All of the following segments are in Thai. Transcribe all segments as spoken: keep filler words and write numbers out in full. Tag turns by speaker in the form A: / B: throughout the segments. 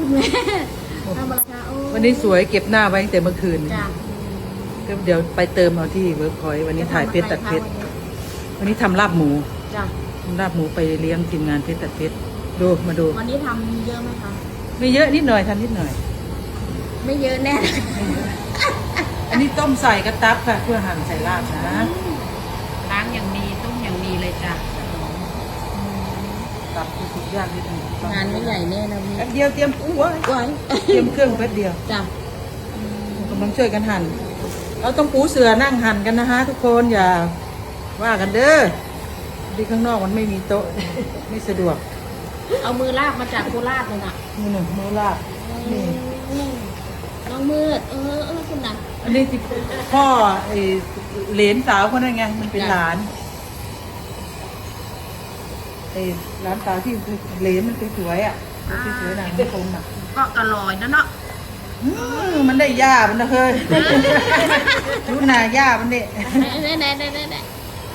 A: คุณแม่ทำอะไรคะโอ้
B: วันนี้สวยเก็บหน้าไว้ตั้งแต่เมื่อคืน
A: จ้ะ
B: ก็เดี๋ยวไปเติมเอาที่เวิร์กพอยต์วันนี้ถ่ายเพชรตัดเพชรวันนี้ทำลาบหมู
A: จ้ะ
B: ทำลาบหมูไปเลี้ยงทีมงานเพชรตัดเพชรดูมาดู
A: วันนี้ทำเยอะไหมคะ
B: ไม่เยอะนิดหน่อยทำนิดหน่อย
A: ไม่เยอะแน่
B: อันนี้ต้มใส่กระตับค่ะเพื่อหั่นใส่ลาบนะ
A: ล้างอย่างดีต้มอย่างดีเลยจ้ะ
B: ตับคือทุกอย่างนิดหนึ่ง
A: งานไม่ใหญ่แน่นะพี่
B: แป๊บเดียวเตรียมอู้ไว้
A: ไว้
B: เตรียมเครื่องแป๊บเดียว
A: จ้ะ
B: กำลังช่วยกันหั่นเราต้องปูเสือนั่งหั่นกันนะฮะทุกคนอย่าว่ากันเด้อที่ข้างนอกมันไม่มีโต๊ะ ไม่สะดวก
A: เอามือลากมาจากโคราชเลยนะ
B: มือหนึ่งมือลาบนี่
A: น้องมืดเออเออคุณนะ
B: อันนี้ที่พ่อไอ้เหลนสาวคนนั้นไงมันเป็นหลานไอ้หลานสาวที่เหลนมันสวยๆอ่ะสวยๆหนังไม่คมอ่ะ
A: ก็กระลอยนะเนาะ
B: อืมมันได้ย่ามันนะเฮ้ย รู้นาย่ามันเด็
A: เน่เน่เน่เน่เน่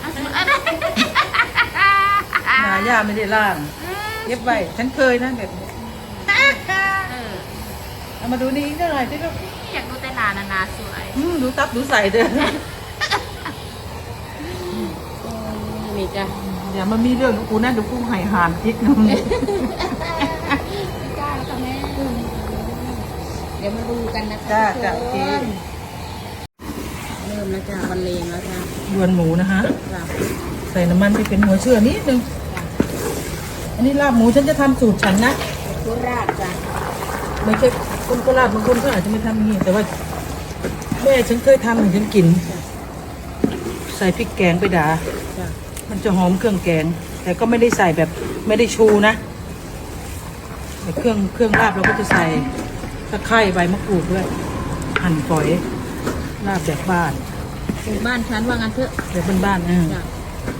B: นาย่าไม่ได้ล่างเย็บไว้ฉันเคยนะแบบนี้เอามาดูนี่อีกหน่อยสิลูก
A: อยากดูแต่นานานาสวย
B: อืมดูตับดูใส่เด้อ
A: มีจ้ะ
B: อย่ามามีเรื่องกับกูนะเดี๋ยวกูหายหานจิกนึง
A: ไม่กล้าแล้วค่ะแม่เดี๋ยวมาดูกันนะคะ
B: จ้า
A: ทุก
B: จ้า
A: ค
B: โอเคน
A: เริ่มแล้วจ้ะบรรเลงแล้วจ้ะ
B: ยวนหมูนะฮะ
A: จ้ะ
B: ใส่น้ำมันที่เป็นหัวเชื่อนิดนึง อันนี้ลาบหมูฉันจะทำสูตรฉันนะ
A: โคราชจ้ะ
B: ไม่ใช่คนโคราชบางคนก็อาจจะไม่ทำอย่างนี้แต่ว่าแม่ฉันเคยทำให้ฉันกิน ใส่พริกแกงไปด่า
A: จ้ะ
B: มันจะหอมเครื่องแกง แต่ก็ไม่ได้ใส่แบบไม่ได้ชูนะแต่เครื่องเครื่องลาบเราก็จะใส่ตะไคร้ใบมะกรูดด้วยหั่นฝอยลาบแบบบ้าน
A: ถึงบ้านฉันว่างั้นเถอะ
B: แบบบ้านๆเออ
A: จ้ะ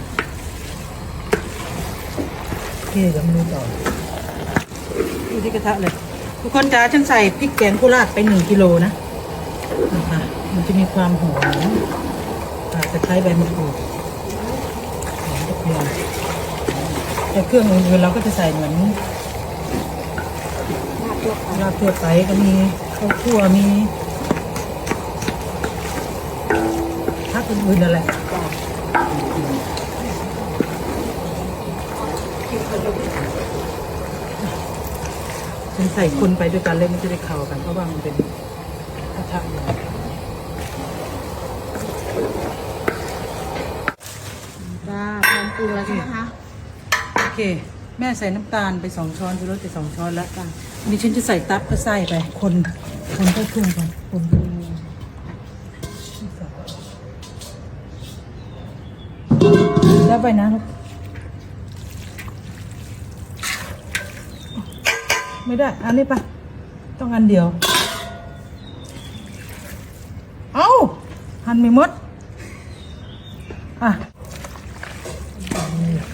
B: โอเคเดี๋ยวมาดูต่อดูที่กระทะเลยทุกคนจ้าฉันใส่พริกแกงโคราชไปหนึ่งกิโลนะนะคะมันจะมีความหอมตะไคร้ใบมะกรูดหอมกระเทียมแต่เครื่องอื่นๆเราก็จะใส่เหมือน
A: ลาบทั่วไป
B: ลาบทั่วไปก็มีข้าวคั่วมีผักอื่นๆอะไร
A: จ้ะ
B: ฉันใส่คนไปด้วยกันเลยมันจะได้เข้ากันเพราะว่ามันเป็นกระทะใหญ่
A: จ้าพร้อมปรุงแล้วใช่ไหมคะ
B: โอเค แม่ใส่น้ำตาลไปสองช้อนชูรสไปสองช้อนแล้วจ้ะนี่ฉันจะใส่ตับก็ใส่ไปคนคนเข้าเครื่องก่อนคนแล้วไปนะลูกไม่ได้อันนี้ปะต้องอันเดียวเอาหั่นไม่หมดอ่ะ
A: อัน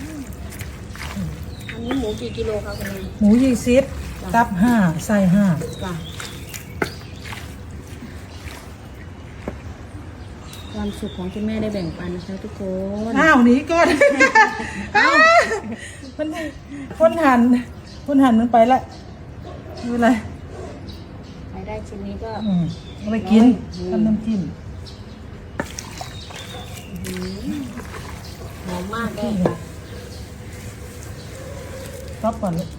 A: นี้หมูกี่กิโลคะคุณแม่
B: หมูยี่สิบตับห้าไส้ห้า
A: จ้ะความสุขของคุณแม่ได้แบ่งปันนะคะทุกคน
B: อ้าวหนีก่อน มันคนหันคนหันมันไปละไม่เป็นไร
A: ใครได้ชิ้นนี้ก็
B: อืมเอาไปกินทำน้ำจิ้ม
A: หอมมากเลย
B: ต๊อปก่อนลูก